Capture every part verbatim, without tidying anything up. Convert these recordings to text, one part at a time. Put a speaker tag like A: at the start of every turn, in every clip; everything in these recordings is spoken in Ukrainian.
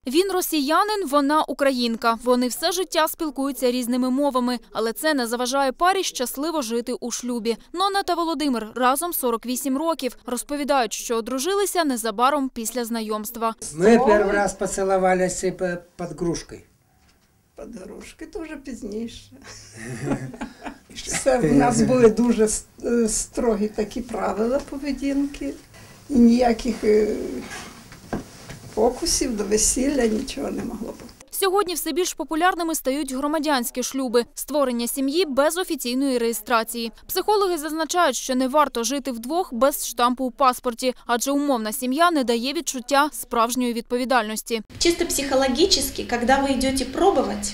A: Він росіянин, вона українка. Вони все життя спілкуються різними мовами, але це не заважає парі щасливо жити у шлюбі. Нонна та Володимир разом сорок вісім років. Розповідають, що одружилися незабаром після знайомства.
B: Ми перший раз поцілувалися під грушкою.
C: Під грушкою, то вже пізніше. Це в нас були дуже строгі такі правила поведінки. І ніяких фокусів до весілля, нічого не могло бути.
A: Сьогодні все більш популярними стають громадянські шлюби – створення сім'ї без офіційної реєстрації. Психологи зазначають, що не варто жити вдвох без штампу у паспорті, адже умовна сім'я не дає відчуття справжньої відповідальності.
D: Чисто психологически, когда вы идете пробовать,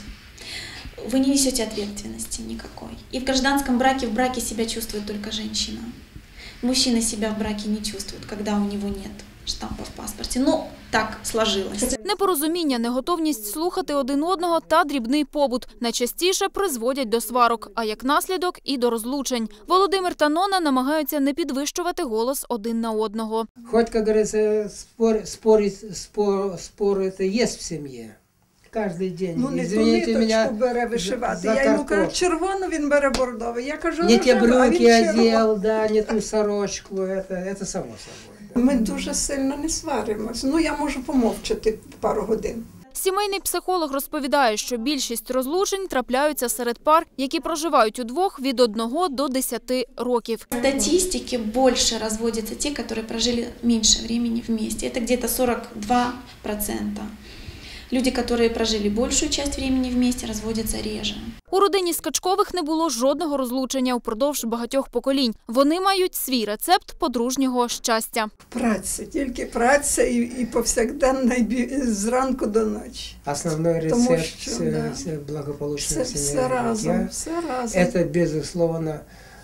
D: вы не несете ответственности никакой. И в гражданском браке, в браке себя чувствует только женщина. Мужчина себя в браке не чувствует, когда у него нет штампа в паспорті. Ну, так сложилось.
A: Непорозуміння, неготовність слухати один одного та дрібний побут найчастіше призводять до сварок, а як наслідок – і до розлучень. Володимир та Нонна намагаються не підвищувати голос один на одного.
B: Хоч, як говориться, спор, спор, спор, спор це є в сім'ї. Кожен день.
C: Ну, не ту ниточку бере вишивати. Я йому кажу, червону, він бере бордовий. Я кажу,
B: не ті брюки одяг, да, не ту сорочку, це, це само собою.
C: Ми дуже сильно не сваримось. Ну, я можу помовчати пару годин.
A: Сімейний психолог розповідає, що більшість розлучень трапляються серед пар, які проживають удвох від одного до десяти років.
D: В статистике больше разводятся те, которые прожили меньше времени вместе. Это где-то сорок два процента. Люди, которые прожили большую часть времени вместе, разводятся реже.
A: У родині Скачкових не було жодного розлучення упродовж багатьох поколінь. Вони мають свій рецепт подружнього щастя.
C: Праця, тільки праця і, і повсякденно, і зранку до ночі.
B: Основний рецепт що, все, да. все благополучного
C: все, все разом, все разом.
B: Это, безусловно,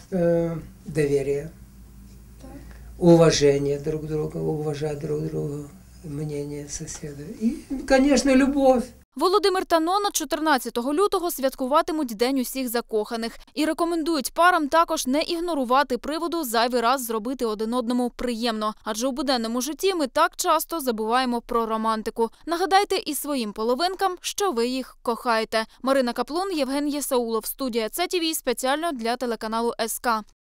B: доверие, так. Уважение друг друга, уважать друг друга. Мнение соседа. І, звісно, любов.
A: Володимир та Нонна чотирнадцятого лютого святкуватимуть День усіх закоханих. І рекомендують парам також не ігнорувати приводу зайвий раз зробити один одному приємно. Адже у буденному житті ми так часто забуваємо про романтику. Нагадайте і своїм половинкам, що ви їх кохаєте. Марина Каплун, Євген Єсаулов. Студія Це ТВ спеціально для телеканалу ес ка.